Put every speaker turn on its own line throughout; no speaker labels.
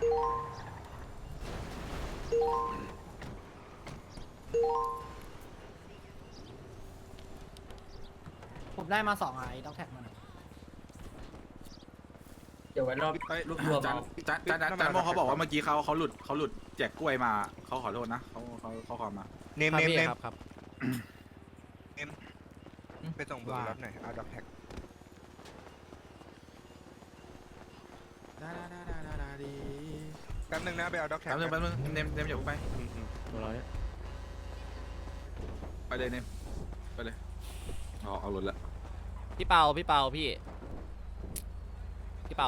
ผมได้มา2ไอ้ด็อกแท็กมัน
เดี๋ยวไว้รอบรวบรวม
จานโมเขาบอกว่าเมื่อกี้เขาหลุดแจกกล้วยมาเขาขอโทษนะเขาขอมา
เนมครับไปส่งเบอร์รับหน่อยเอาดับแท็ก แป๊บนึงนะไปเอาด็อกแท็ก
แป๊บนึงเนมอย่าเพิ่งไป
ตัวเราเนี่ย
ไปเลยเนมไปเลยเอารถละ
พี่เปาพี่เปาพี่พี่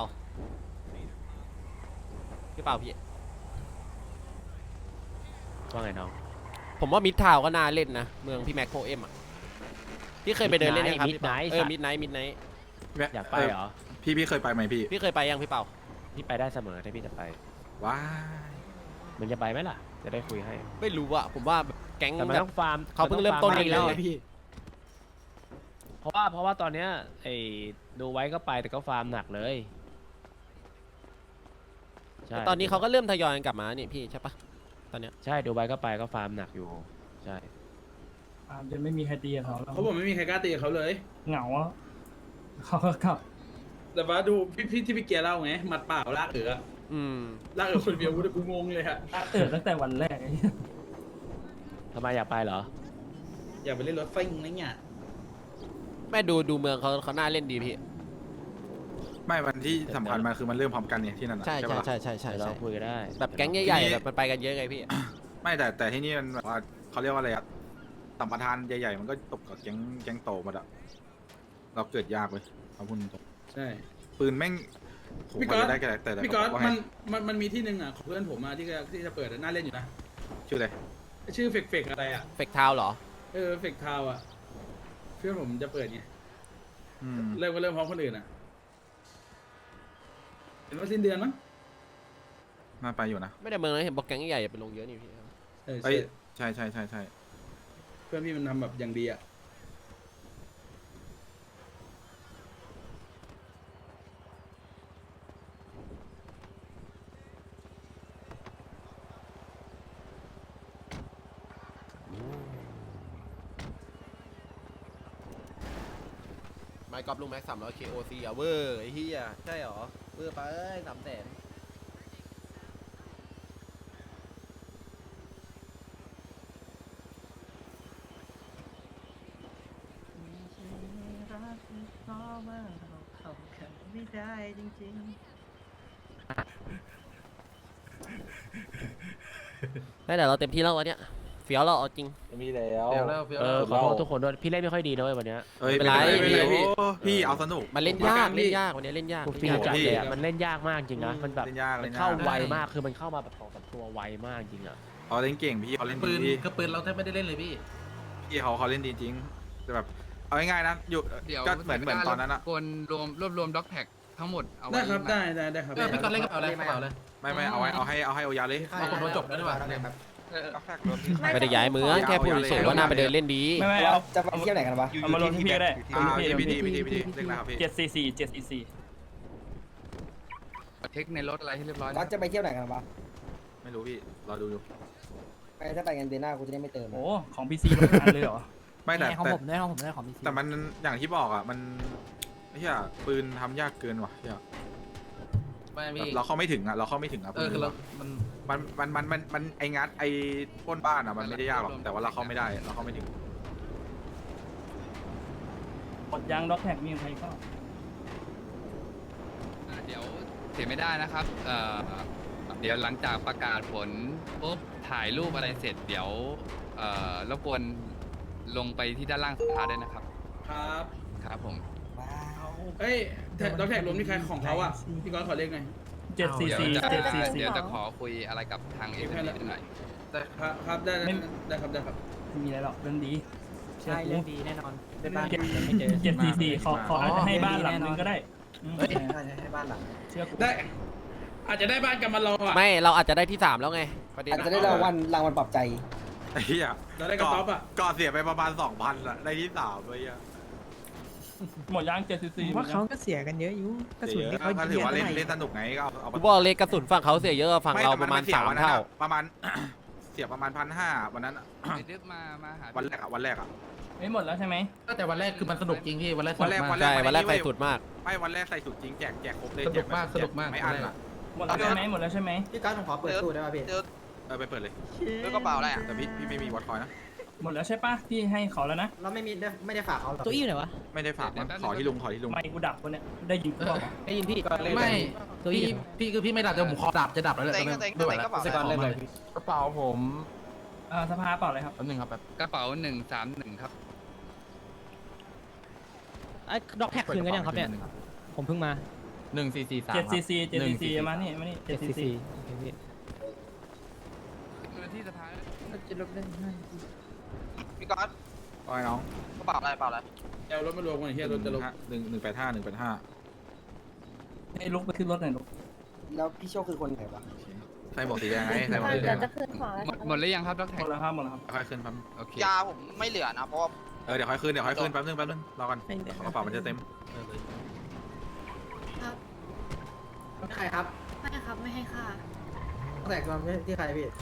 ว่าไงน้อง
ผมว่ามิดทาวก็น่าเล่นนะเมืองพี่แม็กโคเอ็มอ่ะพี่เคยไปเดินเล่นยังครับ
มิดไนท์
มิดไนท์
อยากไปเหรอ
พี่เคยไปไหมพี่
พี่เคยไปยังพี่เปา
พี่ไปได้เสมอถ้าพี่จะไป
ว้าย
มันจะไปไหมล่ะจะได้คุยให้
ไม่รู้อะผมว่าแก๊ง
แต่มัน
แบ
ต้
บ
องฟาร์ม
เขาเพิ่งเริ่มต้น
ฟา
เองแล้ว
รื่ย
พี่
ๆเพราะว่าตอนเนี้ยไอ้ดูไว้ก็ไปแต่ก็ฟาร์มหนักเลยใช่
ตอนนี้เขาก็เริ่มทยอยกันกลับมานี่พี่ใช่ปะตอนเนี้ย
ใช่ดูไว้ก็ไปก็ฟาร์มหนักอยู่ใช่
จะไม่มีใครตีกับเขาแล้ว
เขาบอกไม่มีใครกล้าตีกับเขาเลย
เหงาอ่ะเขาก็กลับ
แต่ว่าดูพี่ที่พี่เกียร์เล่าไงหมัดเปล่าลากเอ๋อ
อืม
ลากเอ๋อคนเดียวกูงงเลยฮะ
ตั้งแต่วันแรกไอ้เหี้ย
ทำไมอยากไปเหรอ
อย่าไปเล่นรถไฟนะเนี่ย
แม่ดูเมืองเขาน่าเล่นดีพี่
ไม่วันที่สำคัญมันคือมันเริ่มพร้อมกันเนี่ยที่นั่นน่ะ
ใช่
ปะ
ใช่
เดี๋ยวเราคุยกันได้
แบบแก๊งใหญ่ๆแบบมันไปกันเยอะไงพี่
ไม่แต่ที่นี่มันแบบว่าเขาเรียกว่าอะไรอะสัมปทานใหญ่ๆมันก็ตกกับแก๊งโตหมดอะเราเกิดยากเลยเอาพูดตรง
ใช่
ๆปืนแม่งผม
พี่ก๊อต
จะได้แค่แต่
พี่ก๊อต
ว่าให้
มันมีที่หนึ่งอ่ะของเพื่อนผมมาที่จะเปิดน่าเล่นอยู่นะ
ชื่ออะไร
ชื่อเฟกอะไรอ่ะ
เฟกทาวเหรอ
เฟกทาวอ่ะเพื่อนผมจะเปิดไง
อืม
เริ่มพร้อมคนอื่นอ่ะเห็นว่าสิ้นเดือนมั้ง
น่าไปอยู่นะ
ไม่ได้เมืองนะเห็นบอกแก๊งใหญ่ๆไปลงเยอะนี่พี่
เอ้ยใช่
เพื่อนพี่มันทำแบบอย่างดีอ่ะ
ไมค์กอล์ฟลุงแม็ก300 KOC อ่ะเวอร์ไอ้เหี้ยใช่หรอเวอร์ไป300,000ได้แต่เราเต็มที่แล้ววันเนี้ยเฟี้ยวเราเอาจริง
มีแล้ว
ขอโทษทุกคนด้วยพี่เล่นไม่ค่อยดีนะเว้ยวันเนี้ย
เอ้ย
ไม่เป็นไร
พี่เอาสนุก
มันเล่นยากวันนี้เล่นยาก
กูฟีลจัดเลยอะมันเล่นยากมากจริงนะมันแบบ
เล่นยาก
มันเข้าไวมากคือมันเข้ามาแบบ2-3ตัวไวมากจริงอ่ะ
เขาเล่นเก่งพี่เขาเล่น
ปืน
ดี
ก็ปืนเราแทบไม่ได้เล่นเลยพี่
พี่เขาเล่นดีจริงแต่แบบเอาง่ายๆนะอยู่
เดี๋ยว
ก็เหมือนตอนนั้นอะ
คนรวบรวมด็อกแท็กทั้งหมดเอาไว้
ได้ครับได้ครับ
พี่ก๊อตเล่นกระเป๋าอะไรกระเป๋าเลย
ไม่เอาให้โอยาเลย
เอาผมโดนจบแล้วดีกว่า
ด็อกแท็กรถที่
ไม่ได้ย้ายเมืองแค่พูดเฉยๆว่าน่าไปเดินเล่นดี
ไม่เอา
จะไปเที่ยวไหนกันวะ
เอามาลงที่พี่ก็ได้
พี่ดีเล่นนะครับพี่
744
เทคในรถอะไรให้เรียบร้อย
ก็
นะ
จะไปเที่ยวไหนกันวะ
ไม่รู้พี่รอดูอยู่
ถ้าไปกันเดือนหน้ากูจะได้ไม่เติม
โอ้ของ PC ลงงานเลยเหรอ
ไม่แต่
ของผมได้ของพี่
แต่มันอย่างที่บอกอะมันเฮียปืนทำยากเกินว่ะเฮีย
ไม่พี่
เราเข้าไม่ถึงอะ
คือเรามัน
มันไองัดไอปล้นบ้านอะมันไม่ได้ยากหรอกแต่ว่าเราเข้าไม่ได้เราเข้าไม่ถึง
กดยางด็อกแท็กมีใครก็
เดี๋ยวเสียไม่ได้นะครับเดี๋ยวหลังจากประกาศผลปุ๊บถ่ายรูปอะไรเสร็จเดี๋ยวรบกวนลงไปที่ด้านล่างสภาด้วยนะครับ
ครับ
ครับผม
เฮ้ยด็อกแท็กรวมที่ใครของเขาอ่ะพี่ก๊อตขอเลขหน่อย
เดี๋ยว
744
จะเดี๋ยวจะขอคุยอะไรกับทางเอ็มนิดหน่อย
ครับได้ครับ
ไม่มีอะไรหรอกเรื่องดี
ใช่เรื่องดีแน่นอนได้บ้าน
744ขออาจจะให้บ้านหลังนึงก็ได้
ให้บ้านหลัง
เชื่อกู
ได้อาจจะได้บ้านกันมาลองอ่ะ
ไม่เราอาจจะได้ที่3แล้วไงประเด็น
อาจจะได้รางวัลปลอบใจ
ไอ้เหี้ย
เราได้กระต๊อบอ่ะ
ก่อเสียไปประมาณ 2,000อะได้ที่3เลยอะ
หมดยาง7 cc
เพราะเขาก็เสียกันเยอะอยู่กระสุนที่เขา
ก็
ยิง
ถือว่าเล่น
เท่าไหร่
เล่นสนุกไงก็เอา
กูบอกเลยกระสุนฝั่งเขาเสียเยอะกว่าฝั่งเราประมาณ
ไแต่น
3 เท่า
ประมาณ เสียประมาณ1,500วันนั้นอะ
ไอ้ดึกมาหา
วันแรกอะ
ไม่หมดแล้วใช่ไหม
แต่วันแรกคือมันสนุกจริงพี่วันแรก
วันแรก
ใช่วันแรกใส่สุดมาก
ไม่วันแรกใส่สุดจริงแจกครบเลย
สนุกมาก
แจ
สนุกมาก
ไม่อั้นอะ
หมดแล้วใช่ไหมหมดแล้วใช่ไหม
พี่ก้าวผมขอเปิดตู้ได้ป่ะพี่
ไปเปิดเลย
ด้วยกระเป๋าอะไรอ่ะ
แต่พี่ไม่มีวอตคอยนะ
หมดแล้วใช่ปะพี่ให้เขาแล้วนะ
เราไม่ได้ฝากเขาหรอ
ตัวอี้อยู่ไหนวะ
ไม่ได้ฝากมั้งขอที่ลุง
ไม่กูดับคนเนี้ยได้ยินกูบอก
ได้ยินพี่
ไม่พี่คือพี่ไม่ดับแต่ผมขอดับจะดับแล้วแหละไม่ไหวแล้ว
สกอร์เล่นเลย
กระเป๋าผม
สภาเปล่าเลยครับ
แป๊บนึงครับแบบ
กระเป๋า131ครับ
ไอ้ด็อกแท็กคืนกันยังครับเนี่ยผมเพิ่งมา
1443
7 cc 7 cc มานี่7 cc
ที่สภา
พี่ก๊อต
โอ้ยน้อง
กระเป๋าอะไรเปล่าอะไร
เอารถมารวมกันเฮียรถจะลง
185
ให้ลุกไปขึ้นรถหน่อยลุก
แล้วพี่โชคคือคนไหนวะ
ใส่หมวกสีแดงไงใส่หมวกสีแดง
หมดหรือยังครับดร
หมดแล้วครับหมดแล้วครับ
ค่อยขึ้นแป๊บ
โอเค
ยาผมไม่เหลือนะเพราะว่า
เดี๋ยวค่อยขึ้นแป๊บนึงรอกันกระเป๋ามันจะเต็ม
ใครครับ
ไม่ครับไม่ให้ค่า
ด็อกแท็กมาที่ใครพี่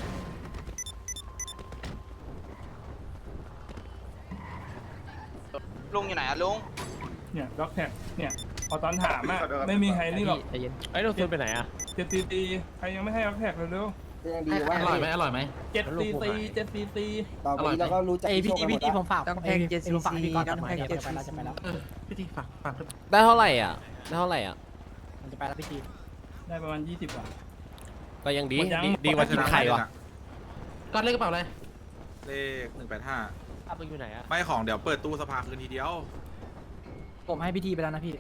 ลุงอยู่ไหนอะลุง
เนี่ยด็อกแท็กเนี่ยพอตอนถามอะไม่มีใครนี่หรอก
ใจเย็นไอ้ยเราซูนไปไหนอ่ะ
7 cc ใครยังไม่ให้ด็อกแท็กเร็ว
ยังดีว่า
อร่อยไหมอร่อยไหม
ๆ7 cc 7 cc
ต่อไปเราก็รู้จักพี่โชคกันหมดแล้ว
ผมฝากต้องแพง70ผมฝากพี่ก้าวต้องแพง70จะไปแล้ว
พี่ทีฝาก
ได้เท่าไหร่อ่ะได้เท่าไหร่อ่ะ
มันจะไปแล้วพี่ที
ได้ประมาณ20 กว่า
ก็ยังดี
หมดยัง
ดีกว่ากินไข่วะ
ก็เลขกระเป๋าอะไร
เลข185
อ้าวมึงอยู่ไหนอ่ะ
ไม่ของเดี๋ยวเปิดตู้สภาคืนทีเดียว
ผมให้พี่ทีไปแล้วนะพี่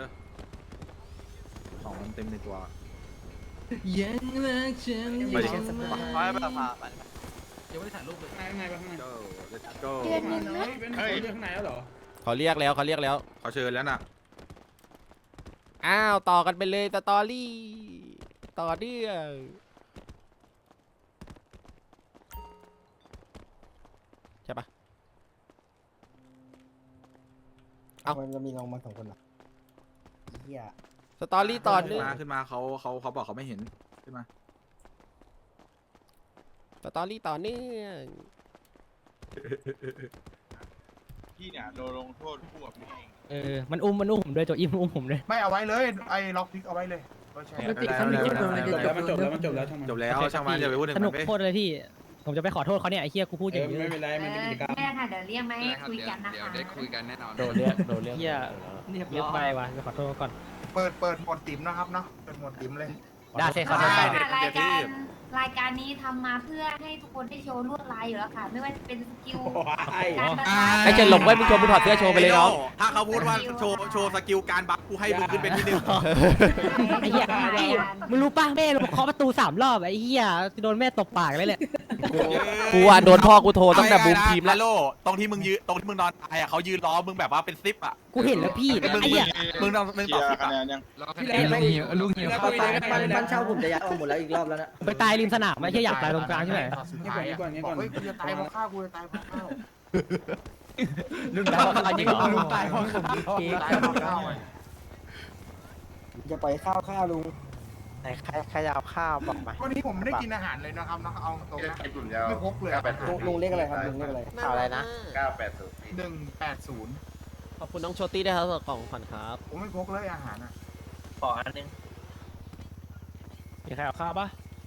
ของมันเต็มในตัว
ยังรักฉัน
ไปดิ
ขอให้ไปสภาไป
ยังไม่ได้ถ่ายรูปเลย
ข้างในปะข้างใน
go let's go
เดือนหนึ่งนะ
เป็นคนเรื่องข้างในแล้วเหรอ
เขาเรียกแล้ว
เขาเชิญแล้วน่ะ
อ้าวต่อกันไปเลยสตอรี่ต่อเนื่องใช่ปะ
มันจะมีลงมา2 คนเหรอเฮีย
สตอรี่ต่อเนื่อง
ขึ้นมาเขาบอกเขาไม่เห็นขึ้นมา
สตอรี่ต่อเนื่อง
พี่เนี่ยโดนลงโทษคู่กับพี่เอง
มันอุ้มผมด้วยตัวอี้มันอุ้มผมด้วย
ไม่เอาไว้เลยไอ้ล็อกพิกเอาไว้เลย
มันจบแล้วช่างมัน
จบแล้วช่างมันอย่าไปพูดถึง
สนุก
มัน
โคตรเลยพี่ ผมจะไปขอโทษเขาเนี่ยไอ้เฮียกูพูดอย่างนี้
ไม่เป็นไรมันเป็นกิจกรรม
แม่ค่ะเดี๋ยวเรียกมาให้
ได้ครับ
คุย
เดี๋ยว
กันนะ
เดี๋ยว
คะ
ได้คุยกันแน่นอน
โดนเรียก
เฮียเยอะไปว่ะไปขอโทษเขาก่อน
เปิดหมดติ๋มนะครับเนาะเปิดหมดติ๋มเลย
ได้ใช่ครับ
ใช่ค่ะรายการนี้ทำมาเพื่อให้ทุกคนได้โชว์ลวดลายอยู่แล้วค่ะ ไม่ว่าจะเป็นสกิลการประทะ
ไอ้เจนหลงไว้มึงโชว์มึงถอดเสื้อโชว์ไปเลยน้อง
ถ้าเขาพูดว่าโชว์สกิลการบัฟกูให้มึงขึ้นเป็นที่ 1
ไอ้เหี้ยมึงรู้ป่ะแม่เราเคาะประตู3 รอบไอ้เหี้ยโดนแม่ตบปากเลยแหละ
กูอ่ะโดนพ่อกูโทรตั้งแต่บูมทีมแล้ว
โลตรงที่มึงนอนตายอ่ะเขายืนล้อมึงแบบว่าเป็นซิปอ่ะ
กูเห็นแล้วพี่ไอ้เหี้ย
มึงตอบซิปอ่ะ
รอคะแนนลุงหิว
บ้านเช่าผมจะย้ายออกหมดแล้วอีกรอบแล้วนะ
ไปตายริมสนามไม่ใช่อยากตายตรงกลางใช่ไหม
งี้ก่อน
เฮ้ยกูจะตายเพราะข้าวกูจะตายเพราะข้าว
ลุงตายเพราะอะไรเหรอ
ลุงตายเพราะ
ตายเพราะข้าว
จะไปข้าวลุง
ไหนใครจะเอาข้าวบอกมา
วันนี้ผมไม่ได้กินอาหารเลยนะครับน้องเอาตรงนะไม่พกเลย
ลุงเรียกอะไรครับลุงเรียกอะไร
ข่าวอะไรนะ
180
ขอบคุณน้องโชตี้ด้วยครับสำหรับกล่องขวัญครับ
ผมไม่พกเลยอาหารอ่ะ
ขออันนึง
มีใครเอาข้าวปะ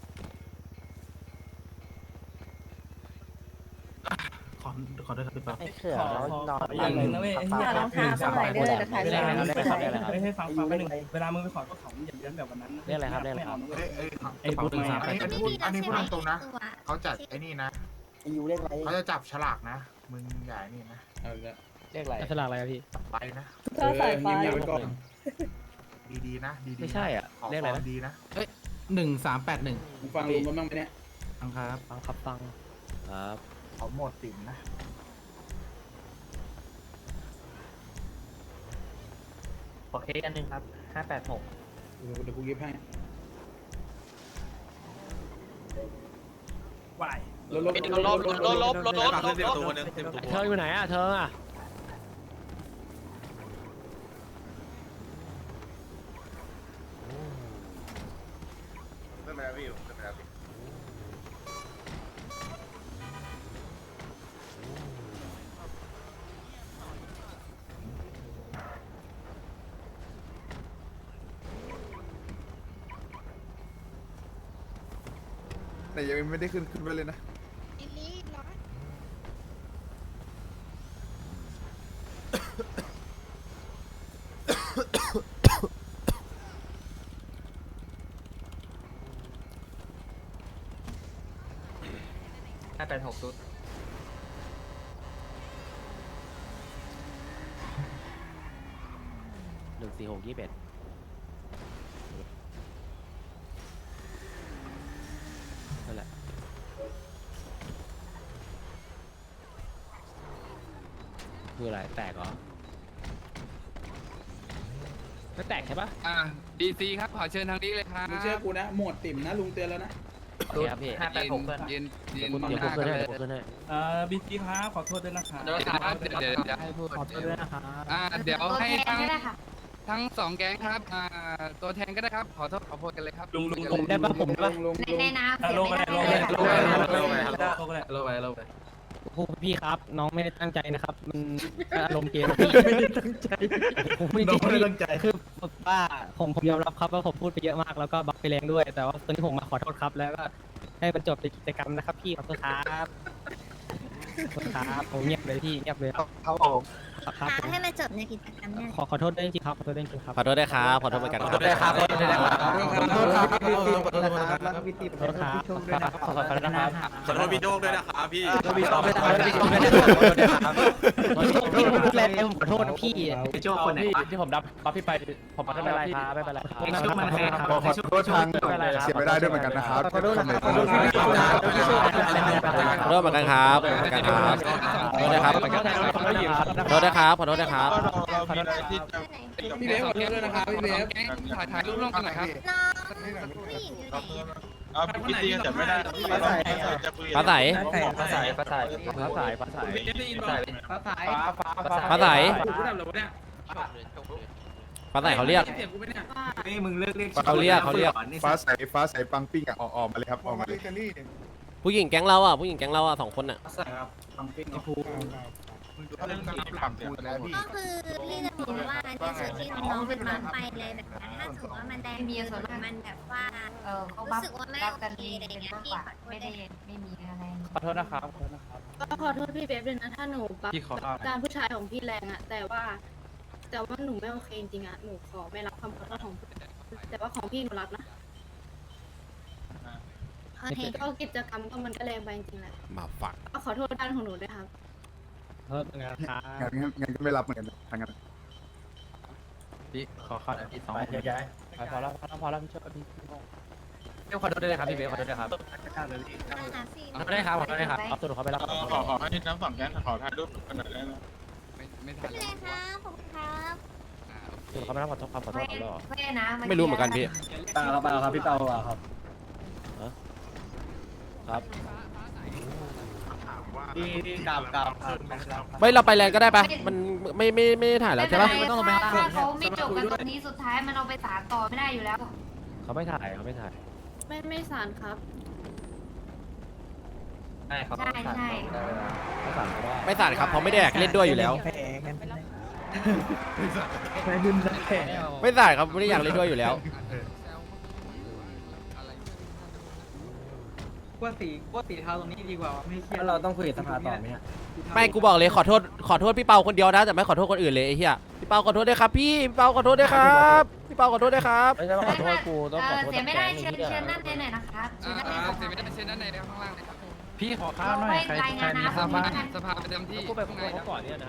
ขอด้วยครับพี่ป๊า
ไอ้เขื่อ
ขอ
แล้วนอน
อย่างหนึ่งนะเว้ยไอ้เหี้ย
น้องข้าวสมัยเด้อจะถ่าย
เว
รู
ลา
ป
มึง
ให้
ไป
ส
ขอ
วย
ไม่ให้ฟังไปหนึ่งเวลามึงไปขอก็ของอย่าเลี้ยงแบบวันนั้น
เรียกอะไรครับเรียกอะไร
ไม่เอานะเว้ย
ไอ้พูดอันนี้พูดตรงๆนะเขาจัดไอ้นี่นะ
ไอ้ยูเรียกอะไร
เขาจะจับฉลากนะมึงอย่านี่นะ
เอาละ
เรียกอะไร
ฉลากอะไรพี่
ไปนะ
เงียบๆไว้ก่อน
ดีๆนะดีๆ
ไม่ใช่อ่ะ
ขอ
เรียกอะไรนะ
ดีนะ
1381
มึงฟังลุงกันบ้างไหมเนี่ย
ครับ
ฟังครับฟัง
ครับ
เขาหมดติ๋มนะ
ขอเค้กอันนึงครับ586
เดี๋ยวกูยิบให้
วาย
ลบ
ขึ้นเต็มตัวคนนึงเต็มตัว
เธออยู่ไหนอ่ะเธออ่ะ
ขึ้นไปแล้วพี่ขึ้นไปแล้วพี่
แต่ยังไม่ได้ขึ้นไปเลยนะ
586
14621นั่นแหละคืออะไรแตกเหรอไม่แตกใช่ปะ
ดีซีครับขอเชิญทางนี้เลยครับ
มึงเชื่อกูนะหมดติ่มนะลุงเตือนแล้วนะ
โอเคครับพี่
586เพื่อน
ยืน
เดี๋ยว
ห
ผม
น้า
ขึ้น
กัน
ให้
เลย
ผมขึ้นให้
บีซีครับขอโทษด้วยนะครับ
เดี๋ยว
ขอโทษด้วยนะครับ
เดี๋ยว
ตัว
ให้
แทน
ทั้ง
ก็ได้ค่ะ
ทั้ง2แก๊งครับตัวแทนก็ได้ครับขอโทษขอโทษกันเลยครับ
ผมได้ปะผมได้ปะ
ในน้ำเสีย
ลง
ไม่
ไป
ได้
ลงไป
เลย
ลงไป
ค่ะ
ลงไปลงไป
โลไปโลไป
โอ้พี่ครับ น้องไม่ได้ตั้งใจนะครับ มันอารมณ์เกมพี่ไม่ได้ตั้งใจผมไม่ได้ตั้งใจคือว่าผมยอมรับครับว่าผมพูดไปเยอะมากแล้วก็บัฟไปแรงด้วย แต่ว่าตอนนี้ผมมาขอโทษครับแล้วก็ให้บรรจบในกิจกรรมนะครับพี่ขอโทษครับขอโทษครับผมเงียบเลยพี่เงียบเลยครับครับผม
ให้มาจบในกิจกรรมเนี่ย
ขอโทษด้วยจริงๆครับขอโทษด้วยจริงๆครับ
ขอโทษด้วยครับขอโทษเหมือนกัน
ขอโทษด้วยครับขอโทษด้วยครับ
ขอโทษครับขอโทษครับขอโทษนะครับ
ขอโทษพี่โจ๊กด้วยนะครับพี่
พี่ขอโทษนะครับพี่ผมพูดแรงผมขอโทษนะพี่
โจ้คนไหน
ที่ผมรับบัฟพี่ไปผมไม่เป็นไรครับไม่เป็นไรครับ
ขอโทษนะครับ
ขอโทษทางเสียไม่ได้ด้วยเหมือนกันนะครับ
ขอโทษนะครับขอโทษนะครับ
ขอโทษเหมือนกันครับขอโทษเหมือนกันครับขอโทษนะครับขอโทษนะครับขอโทษนะครับ
พี่เบฟขอโทษด้วยนะครับพี่เบฟ
แก๊งถ่ายรูปร่วมกันหน่อยครับ
น้องผู้หญิงอยู่ไหน
เอาพี่ตีจับไม่ได้
ฟ้าใส
ภาษา
ฟ้าใส
ฟ้าสาย
ฟ้าใส
ฟ้าใส
กูดับเลยวะเนี่ย
ฟ้าใสเขาเรียก
เสียงกูไม่เนี่ย
นี่มึงเลิกเรียก
เขาเรียก
ฟ้าใสปังปิ้งอ่ะออกมาเลยครับออกมาเลย
ผู้หญิงแก๊งเราอ่ะผู้หญิงแก๊งเราอ่ะ2 คนอ่ะ
ก็คือพี่จะบอกว่าในส่วนที่น้องเป็นน้องไปเลยแบบนั้นถ้าถือว่ามันได้มีส่วนมันแบบว่าเขารู้สึกว่าไม่โอเคอะไรเงี้ยพี่ขอโทษได้ไม่มีอะไร
ขอโทษนะครับ
ก็ขอโทษพี่เบฟด้วยนะถ้าหนูปรับการผู้ชายของพี่แรงอะแต่ว่าหนูไม่โอเคจริงๆอะหนูขอไม่รับคำขอโทษของพี่แต่ว่าของพี่หนูรับนะ
โอเค
ก็กิจกรรมก็มันก็แรงไปจริงๆแหละ
มาฝัก
ก็ขอโทษด้านของหนูด้วยครับ
ขอโทษนะครับ
งั้นก็ไม่รับเหมือนกันทางนั้น
พี่ขอข้อที่2
ย้าย
พอแล้วพี่ช่วยพี่
ขอโทษด้วยครับพี่เบสขอโทษด้วยครับ
ขอโทษด้วย
ได้ครับขอโทษด้วยครับ
เอาตัวเขาไปรับ
ขอให้น้ำฝั่งแก๊งขอถ่ายรูปกันหน่อยได้ไหม
ไม่ทัน
พี่เลยครับผมครับ
ตัวเขาไปรับขอโทษขอโทษเขาหรอ
ไม่นะ
ไม่รู้เหมือนกันพี่
เปล่าครับพี่เปล่าครับ
ครับ
พี่กลับ
ไม่เราไปแลนด์ก็ได้ปะมันไม่ถ่ายแล้วใช่ปะ
ไม่ต้องไปถ้าเขาไม่จบกันตรงนี้สุดท้ายมันเอาไปศาลต่อไม่ได้อยู่แล้ว
เขาไม่ถ่าย
ไม่สารครับ
ใช่ครับ
ใช่ใช่
ไม่ถ่ายครับเขาไม่ได้อยากเล่นด้วยอยู่แล้ว ไม่ถ่ายครับไม่ได้อยากเล่นด้วยอยู่แล้ว
ว่าสีเทาตรงนี้ดีกว่าไม่เครียด
เราต้องคุยกับสภาต่อไหมฮะ
ไม่กูบอกเลยขอโทษพี่เปาคนเดียวนะแต่ไม่ขอโทษคนอื่นเลยไอ้เหี้ยพี่เปาขอโทษด้วยครับพี่เปาขอโทษด้วยครับพี่เปาขอโทษด้วยครับไม่ใช่ว่าขอโทษกูต้องขอโทษ
เสียไม่ได้เชิญนั่นเลยหน่อยนะครับเชิญนั่นเลย
เสียไม่ได้เชิญด้านในข้างล่างเลยครับ
พี่ขอข้าวหน่อยใครมี
สภาประจำที่
กูไปขอโทษเขาก่อนเนี่ยนะ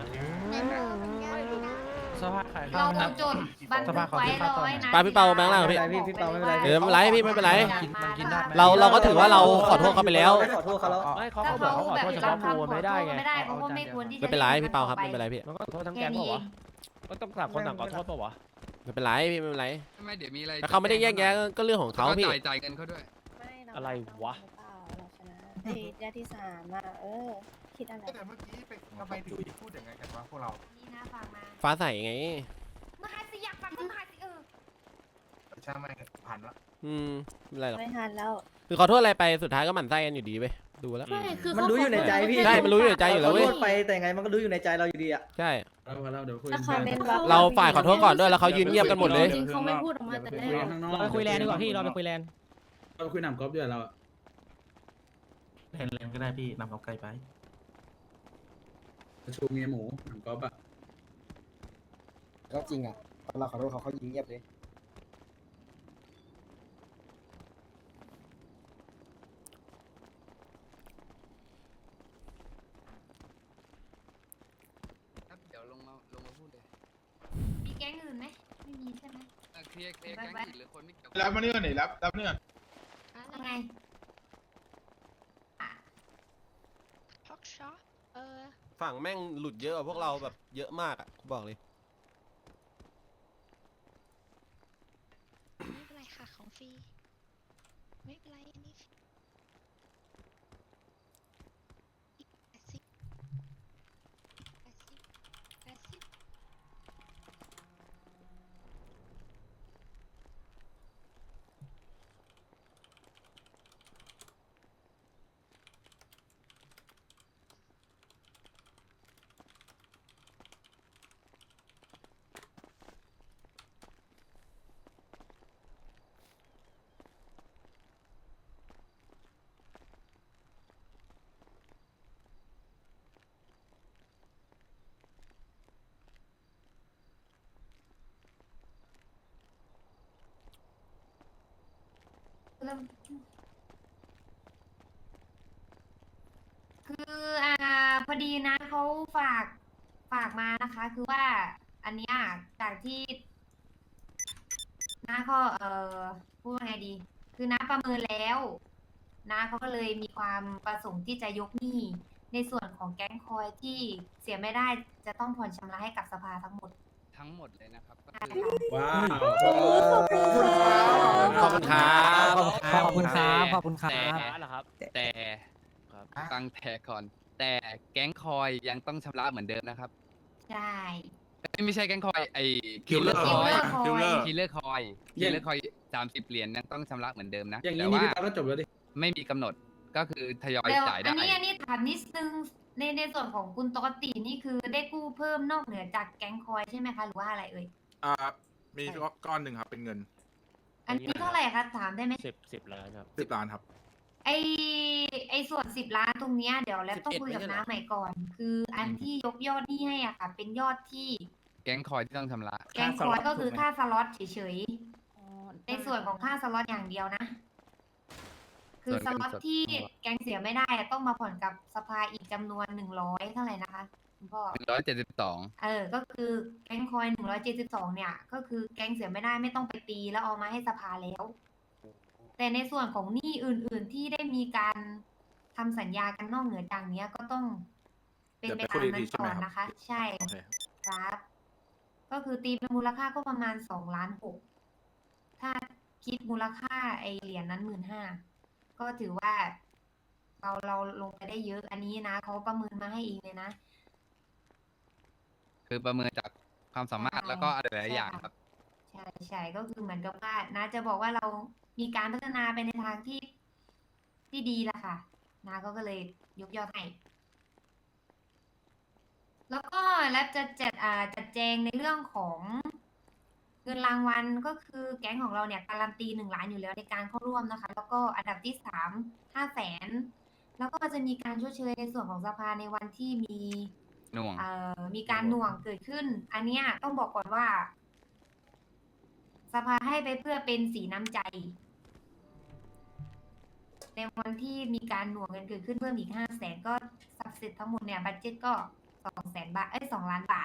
สภาขาย
เรา
ข้าว
จดบันทึกไว้เราไว้นะ
ปาพี่เปาแบงค์ล่างพี่
พี่เปาไม่เป็นไร
ไม่เป็นไรพี่ไม่เป็นไร
มันกินได้
เราก็ถือว่าเราขอโทษเขาไปแล้ว
ขอโทษเขาแล้ว
ไม่เขาบอกเขาขอโทษเฉพาะกูไม่ได้ไง
ไม่ได้เพราะว่าไม่ควรที่จะ
ไม่เป็นไรพี่เปาครับไม่เป็นไรพี่
มันก็ขอโทษทั้งแก๊งเปล่าวะ
ก็ต้องต่างคนต่างขอโทษเปล่าวะไม่เป็นไรพี่ไม่เป็นไร
ไม่เดี๋ยวมีอะไร
แต่เขาไม่ได้แยกแยะก็เรื่องของเขาพี่
จ่ายเงินเขาด้วย
อะไรวะ
ยาที่3อะคิดอะไร
แต่เมื่อกี้ทำไมถึงพูดอย่างไงกันวะพวกเรา
นี่นะฟังมา
ฟ้าใสไง
มาหาสิอยากฟังก็มาหาสิ
ใช่ไหมผ่านละ
ไม่เป็นไรหรอก
ไม่ทันแล้ว
คือขอโทษอะไรไปสุดท้ายก็หมั่นไส้กันอยู่ดีเว้ยดูแล้ว
ไม่คือ
มันรู้อยู่ในใจพี่
ใช่มันรู้อยู่ในใจอยู่แล้วเว้ย
ขอโทษไปแต่ไงมันก็รู้อยู่ในใจเราอยู่ดีอ่ะ
ใช่
เราเดี๋ยวคุย
ถ้าเขาเล่นบัฟ
เราฝ่ายขอโทษก่อนด้วยแล้วเขายืนเงียบกันหมดเลย
จริงๆเขาไม่พูดออกมาแต่แรก
เราไปคุยแลนด์ดีกว่าพี่เราไปคุยแลนด์
เราคุยหนำกอล์ฟด้วยเรา
เห็นเลนก็ได้พี่นำเอาไกลไป
ประชุมเมียหมูหนำกอล์ฟอะ
ก็จริงอ่ะตอนเราขอโทษเขายิงเงียบเลย
ครับเดี๋ยวลงมาพูดเลย
มีแก๊งอื่นไหมไม่มีใช่ไหม
เคลียร์แก๊งผิดหรือคนไม่เกี่ยว
รับมาเนื่อหน่อยรับเนื่อ
ยังไง
พ็อกช็อป
ฝั่งแม่งหลุดเยอะกว่าพวกเราแบบเยอะมากอ่ะกูบอกเลย
ไม่เป็นไรค่ะของฟรีไม่เป็นไรอันนี้
คือพอดีนะเขาฝากมานะคะ คือว่าอันเนี้ยจากที่น้าก็พูดว่าไงดี คือน้าประเมินแล้วน้าเขาก็เลยมีความประสงค์ที่จะยกหนี้ในส่วนของแก๊งคอยที่เสียไม่ได้จะต้องผ่อนชำระให้กับสภาทั้งหมด
ทั้งหมดเลยนะครับก็
ใช่
คือ
ค่ะ
ว้าว
ขอบคุณครับ
ขอบคุณครับขอบคุณครับ
แต่ฟังแต่ก่อน แต่แก๊งคอยยังต้องชำระเหมือนเดิมนะครับ
ใช่
ไม่ใช่แก๊งคอยไอ้
คิลเลอร์
คิลเลอร์คอย
คิลเลอร์คอย30 เหรียญยังต้องชำระเหมือนเดิมนะ
อย่างนี้
แต่
นี่
ว่า
พี่ตาก็จบแล้วดิ
ไม่มีกำหนดก็คือทยอย
แล้ว
จ่ายได้
อันนี้ถามนิดนึงในส่วนของคุณตกตินี่คือได้กู้เพิ่มนอกเหนือจากแก๊งคอยใช่ไหมคะหรือว่าอะไรเอ่ย
มีก้อนหนึ่งครับเป็นเงิน
อันนี้เท่าไหร่คะถามได้ไหม
10 ล้านครับ
10 ล้านครับ
ไอส่วน10 ล้านตรงเนี้ยเดี๋ยวแล้วต้องคุยกับน้าใหม่ก่อน คืออันที่ยกยอดหนี้ให้อ่ะค่ะ เป็นยอดที่
แก๊งคอยที่ต้องชำระ
แก๊งคอยก็คือค่าสล็อตเฉยๆในส่วนของค่าสล็อตอย่างเดียวนะ คือสล็อตที่แก๊งเสียไม่ได้อะต้องมาผ่อนกับสภาอีกจำนวน100เท่าไหร่นะคะคุณพ่อ
172
ก็คือแก๊งคอย172เนี่ย ก็คือแก๊งเสียไม่ได้ไม่ต้องไปตีแล้วเอามาให้สภาแล้ว แต่ในส่วนของหนี้อื่น ๆที่ได้มีการทำสัญญากันนอกเหนือจากเนี้ยก็ต้องเป็นไปตามนั้นก่อนนะคะ ใช่
โอเค
ครับ ก็คือตีเป็นมูลค่าก็ประมาณ2,600,000ถ้าคิดมูลค่าไอเหรียญนั้น15,000ก็ถือว่าเราลงไปได้เยอะ อันนี้นะเขาประเมินมาให้เองเลยนะ
คือประเมินจากความสามารถแล้วก็อะไรหลายๆอย่างครับ
ใช่ก็คือเหมือนกับว่านาจะบอกว่าเรามีการพัฒนาไปในทางที่ดีละค่ะนาก็เลยยกยอดให้แล้วก็แล้วจะจัดแจงในเรื่องของเงินรางวัลก็คือแก๊งของเราเนี่ยการันตี1 ล้านอยู่แล้วในการเข้าร่วมนะคะ แล้วก็อันดับที่3 500,000แล้วก็จะมีการชดเชยในส่วนของสภาในวันที่มี
หน่วง
มีการหน่วงเกิดขึ้น อันเนี้ยต้องบอกก่อนว่า สภาให้ไปเพื่อเป็นสีน้ำใจ ในวันที่มีการหน่วงเงินเกิดขึ้นเพิ่มอีก500,000ก็สับเสร็จทั้งหมดเนี่ยบัดเจ็ตก็200,000 บาท2 ล้านบาท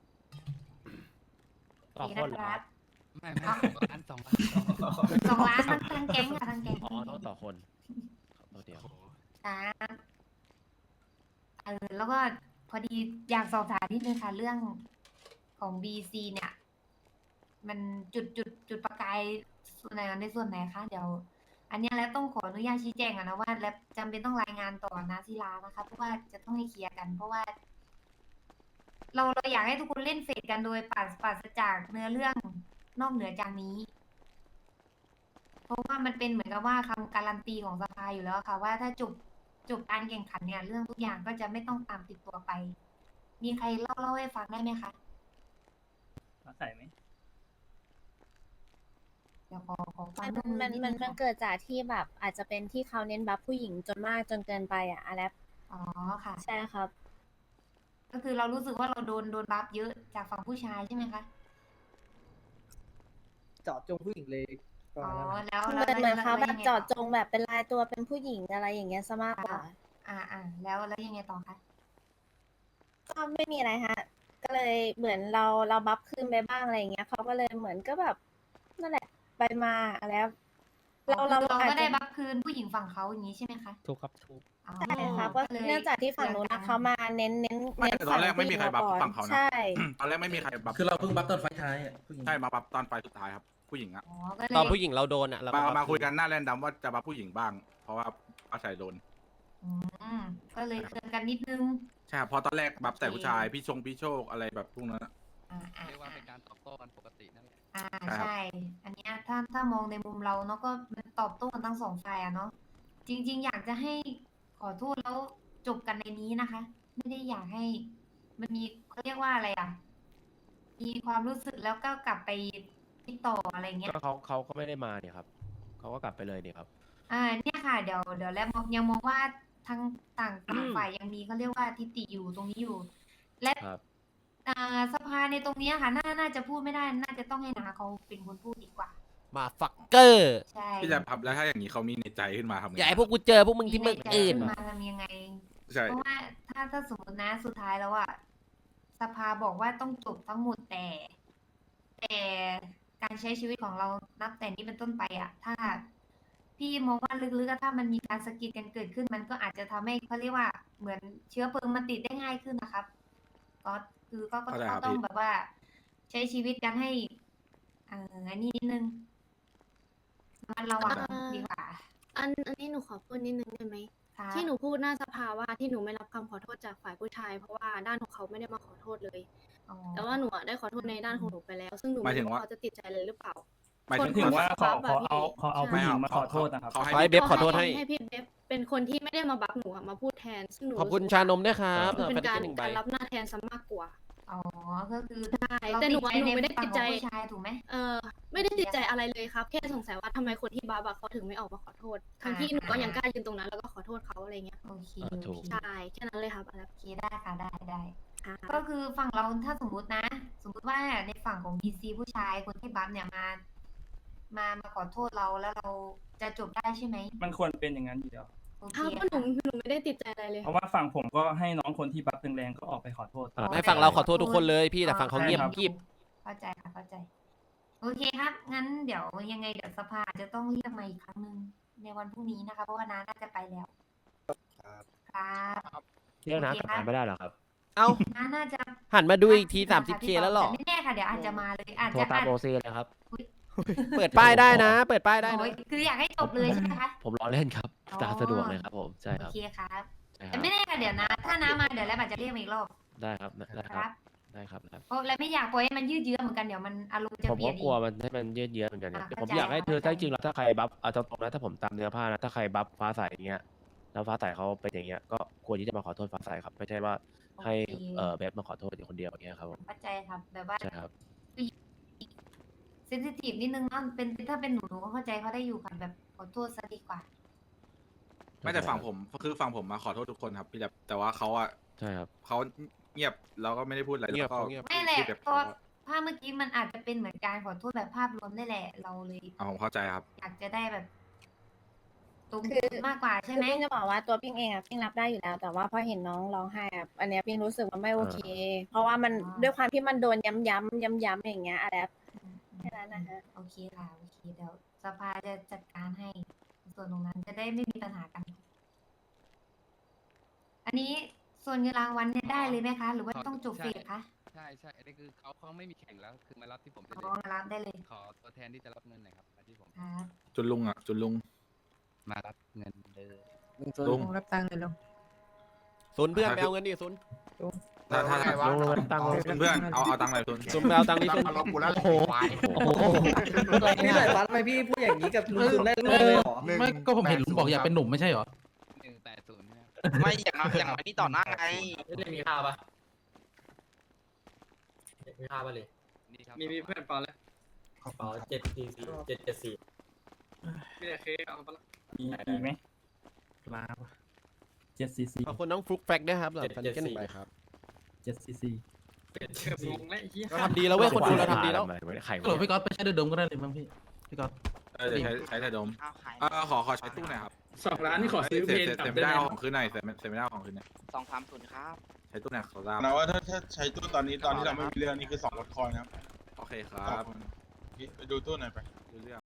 ต่อคนเหรอครับ
ไม่2 ล้าน
2 ล้านทั้งแก๊งค่ะทั้งแก๊ง
อ๋อต้องต่อคนตัวเดียว
ครับแล้วก็พอดีอยากสอบถามนิดนึงค่ะเรื่องของ BC เนี่ย มันจุดประกายส่วนไหนในส่วนไหนคะเดี๋ยว อันเนี้ยแล้วต้องขออนุญาตชี้แจงนะว่าแล้วจำเป็นต้องรายงานต่อนะศิลานะคะเพราะว่าจะต้องให้เคลียร์กัน เพราะว่า เราอยากให้ทุกคนเล่นเฟดกันโดยปราศจากเนื้อเรื่องนอกเหนือจากนี้เพราะว่ามันเป็นเหมือนกับว่าคำการันตีของสภาอยู่แล้วค่ะว่าถ้าจบการแข่งขันเนี่ยเรื่องทุกอย่างก็จะไม่ต้องตามติดตัวไป มีใครเล่าให้ฟังได้ไหมคะ
ใส่ไหม
เดี๋ยวขอฟัง
มัน
เรื่อง
มัน
นิด
มั
นึ
น
ง
มัน
ค่ะ
เกิดจากที่แบบอาจจะเป็นที่เขาเน้นบัฟผู้หญิงจนมากจนเกินไปอ่ะอะไร
อ๋อค่ะ
ใช่ครับ
ก็คือเรารู้สึกว่าเราโดนบัฟเยอะจากฝั่งผู้ชายใช่ไหมคะ
เจาะจงผู้หญิงเลยประ
อ๋อ
มาณนั้นนะ
แล้ว
เหมือนเขาแบบ
ยังไง
เจาะ
ต่อ
จงแบบเป็นลายตัวเป็นผู้หญิงอะไรอย่างเงี้ยซะมากกว่า
แล้วยังไงต่อคะ
ก็ไม่มีอะไรฮะ ก็เลยเหมือนเราบัฟคืนไปบ้างอะไรอย่างเงี้ยเขาก็เลยเหมือนก็แบบนั่นแหละไปมาแล้ว
เรา
อาจ
ก็
จะ
ได้บัฟคืนผู้หญิงฝั่งเขาอย่างนี้ใช่ไหมคะ
ถูกครับถูก
อ๋อ
ใช่ครับก็
ลย
เนื่องจากที่ฝั่งนู้นนะเขามาเน้น
ไม่แต่ตอนแรกไม่มีใครบัฟ
ผู้หญิ
ฝั่งเขานะ
ใช่
ตอนแรกไม่มีใครบัฟ
คือเราเพิ่งบัฟตอนไฟท้ายอ่ะผู้หญิง
ใช่มาบัฟตอนไฟสุดท้ายครับผู้หญิงอะ
อ๋อก็เลย
ตอนผู้หญิงเราโดนอ่ะเราก็
มาคุยกันหน้าแรนดัมว่าจะบัฟผู้หญิงบ้าง เพราะว่าอาศัยโดน
อืมก็เลยเตือนกันนิดนึง
ใช่ครับเพราะตอนแรกบัฟแต่ผู้ชายพี่โชคอะไรแบบพวกนั้นอะ
เรียกว่าเป็นการตอบโต้กันปกตินั่นแหละ
ใช่ อันเนี้ยถ้ามองในมุมเราเนาะก็มันตอบโต้กันทั้งสองฝ่ายอะเนาะจริง ๆ อยากจะให้ขอโทษแล้วจบกันในนี้นะคะ ไม่ได้อยากให้ มันมีเขาเรียกว่าอะไรอ่ะ มีความรู้สึกแล้วก็กลับไปติดต่ออะไรเงี้ย
ก็เขาก็ไม่ได้มาเนี่ยครับเขาก็กลับไปเลยเนี่ยครับ
เนี่ยค่ะเดี๋ยวแล้วยังมองว่าทั้งต่างฝ่ายยังมีเขาเรียกว่าทิฏฐิอยู่ตรงนี้อยู่ และ
ครับ
สภาในตรงเนี้ยค่ะน่าจะพูดไม่ได้น่าจะต้องให้นาเขาเป็นคนพูดดีกว่า
มาฟักเกอร์
ใช่
พี่จะพับแล้วถ้าอย่างนี้เขามีในใจขึ้นมาทำไง
อย่าให้พวกกูเจอพวกมึงที่เมืองอื่น
มีใใจขึ้มาทำยังไง
ใช่
เพราะว่าถ้าสมมตินะสุดท้ายแล้วอะสภาบอกว่าต้องจบทั้งหมดแต่การใช้ชีวิตของเรานับแต่นี้เป็นต้นไปอะถ้าพี่มองว่าลึกๆอะถ้ามันมีการสะกิดกันเกิดขึ้น มันก็อาจจะทำให้เขาเรียกว่าเหมือนเชื้อเพลิงมันติดได้ง่ายขึ้นนะครับก็คือก็ต้องแบบว่า ใช้ชีวิตกันให้อันนี้นิดนึงมันระวังดีกว่า
อันนี้หนูขอพูดนิดนึงได้ไหม
ค่ะ
ที่หนูพูดหน้าสภาว่าที่หนูไม่รับคำขอโทษจากฝ่ายผู้ชาย เพราะว่าด้านของเขาไม่ได้มาขอโทษเลย
อ๋อ
แต่ว่าหนูอะได้ขอโทษในด้านของหนูไปแล้ว ซึ่งหนู
หมาย
ไม่
ถึง
รู้
ว่า
ว่าเขาจะติดใจเลยหรือเปล่า
หมาย
ถึงว่า
คน
เขาเอาผู้หญิงมาขอโทษนะครับ
เขา
ขอ
ให้
ให้เบฟขอโทษให้
ให้พี่เบฟเป็นคนที่ไม่ได้มาบัฟหนูอะมาพูดแทน ซึ่งหนู
ขอบคุณ
รู้สึก
ชานมด้วยครับ
ว่ามันเป็นการ
หนึ่งใบ
การรับหน้าแทนซะมากกว่า
อ๋อก็คือ
ใช่
เรา
แต่หนู
ติด
อะหนูไม่ได้
ฝั่
ติ
ง
ด
ข
ใจ
องผู้ชายถูกไหม
ไม่ได้ติดใจอะไรเลยครับ แค่สงสัยว่าทำไมคนที่บัฟอะเขาถึงไม่ออกมาขอโทษ ทั้งที่หนูก็ยังกล้ายืนตรงนั้นแล้วก็ขอโทษเขาอะไรเงี้ย
โอเค
ถูก
ใช่แค่นั้นเลยครับอะไร
โอเคได้ค่ะได้
ค่ะ
ก็คือฝั่งเราถ้าสมมุตินะ สมมุติว่าในฝั่งของ BC ผู้ชายคนที่บัฟเนี่ยมาขอโทษเราแล้วเราจะจบได้ใช่ไหม
มันควรเป็นอย่างนั้นอยู่แล้ว
โอเค
ครับเพราะหนูไม่ได้ติดใจอะไรเลย
เพราะว่าฝั่งผมก็ให้น้องคนที่บัฟแรงๆก็ออกไปขอโทษ
ให้ฝั่งเราขอโทษทุกคนเลยพี่แต่ฝั่งเขาเงียบ
ใช่ครับ
กริบ
เข้าใจค่ะเข้าใจ โอเคครับ งั้นเดี๋ยวยังไงเดี๋ยวสภาจะต้องเรียกมาอีกครั้งหนึ่งในวันพรุ่งนี้นะคะ เพราะว่าน้าน่าจะไปแล้ว ครับ
เรียกนะ
โอเค
กลับ
ครับ
มาไม่ได้หรอครับ
เอ้า
น้าน่าจะ
หันมาดูอีกที 30K แล้วหรอ
แต่ไม่แน่ค่ะเดี๋ยวอาจจะมาเลยอาจ
โทร
จะ
ตามโอซีเลยครับ
เปิดป้ายได้นะ เปิดป้ายได้
โอ้
นะ
ยคืออยากให้จบเลยใช่ไหมคะ
ผมรอเล่นครับ
อ๋อ
ตามสะดวกเลยครับผมใช่ค
โอ
รับ
เคครับ
ใช่ค
แต่
รับ
ไม่แน่ค่ะเดี๋ยวนะถ้าน้ามาเดี๋ยวแล้วอาจจะเรียกมาอีกรอบ
ได้ครับได้
ค
ครั
รั
บบ ได้ครับได้
เพราะและไม่อยากปล่อยให้มันยืดเยื้อเหมือนกันเดี๋ยวมันอารมณ์จะ
ผม
เปลี่
ก็
ยน
กลัว
อีก
มันให้มันยืดเยื้อเหมือนกันเนี่ย
เข้าใจ
ผมอยากให้เธอ
เข้าใจ
ถ้าจริงๆแล้วถ้าใครบัฟเอาตรงๆนะถ้าผมตามเนื้อผ้านะถ้าใครบัฟฟ้าใสอย่างเงี้ยแล้วฟ้าใสเขาเป็นอย่างเงี้ยก็ควรที่จะมาขอโทษฟ้าใสครับไม่ใช่ว่าให้
โอเค
เบฟมาขอโทษอยู่คนเดียวอย่างเงี้ยครับผม
เข้าใจครับแบบว่า
ใช่ครับ
เซนซิทีฟนิดนึงเนาะเป็นถ้าเป็นหนูก็เข้าใจเขาได้อยู่ค่ะแบบขอโทษซะดีกว่า
ไม่แต่ฝั่งผมคือฝั่งผมมาขอโทษทุกคนครับพี่แต่ว่าเขาอะ
ใช่ครับ
เขาเงียบแล้วก็ไม่ได้พูดอะไร
เงียบ
แล้วก็
เงียบ
ไม่แหละ
พี่แบบ
เพราะภาพเมื่อกี้มันอาจจะเป็นเหมือนการขอโทษแบบภาพรวมได้แหละ เราเลย
ผมเข้าใจครับ
อยากจะได้แบบตรง
คือ
มากกว่าใช่ไหม
คือปิ้งจะบอกว่าตัวปิ้งเองอะปิ้งรับได้อยู่แล้ว แต่ว่าพอเห็นน้องร้องไห้อะอันเนี้ยปิ้งรู้สึกว่าไม่โอเค เพราะว่ามันด้วยความที่มันโดนย้ำอย่างเงี้ยอะไรแค่นั้นนะฮะ
โอเคค่ะโอเคเดี๋ยวสภาจะจัดการให้ส่วนตรงนั้นจะได้ไม่มีปัญหากัน อันนี้ส่วนเงินรางวัลเนี่ยได้เลยไหมคะ หรือว่าต้องจบเฟสคะ
ใช่อันนี้คือเขาไม่มีแข่งแล้วคือมารับที่ผมได้
อ๋
เล
อย มารับได้เลย
ขอตัวแทนที่จะรับเงินหน่อยครับมาที่ผม
ครับ
จุนลุง
มารับเงินเลย
ลุง
รับตังค์เลยลุง
ศูนย์เพื่อนไปเอาเงินดิศูนย์
ถ้าเพื่อนๆเอาตังค์หน่อยเพื่อน
ซุ่มไปเอาตังค์ดิซุ่ม
มารบกูแล้ว
โอ้โห โอ้โห
พี่สายฟ้าทำไมพี่พูดอย่างนี้กับลุงคุณได้เลยเหรอ
ไม่ก็ผมเห็นลุงบอกอยากเป็นหนุ่มไม่ใช่เหรอ
180นะครับ
ไม่อย่างนี้ต่อหน้าไง
มีข้าวปะมีข้าวปะเลย
นี่ครับ
มีเพื่อนเปล่าแล้ว
กระเป๋า774
พี่แต่เคเอาไปละ
มีไหมมา7cc
ขอบคุณน้องฟลุกแฟกด้วยครับหลังพันแค่1ใบครับ
7cc
งงแล้วไอ้เหี้ย
เราทำดีแล้วเว้ยคนดูเราทำดีแล้ว
หรือพี่ก๊อตไปใช้เดือดดมก็ได้เลยมั้งพี่ก๊อต
เดี๋ยวใช้แต่ดม
เอาขาย
ขอใช้ตู้หน่อยครับ
2 ล้านนี่ขอซื้อเพลง
เสร็จไม่ได้เอาของคืนหน่อยเสร็จไม่ได้เอาของคืนหน่อย
230ครับ
ใช้ตู้หน่อยขอทราบ
นะว่าถ้าใช้ตู้ตอนนี้ตอนที่เราไม่มีเรื่องนี่คือ2 รถคอยนะครับ
โอเคครับ
ไปดูตู้หน่อยไป
รู้เรื่อง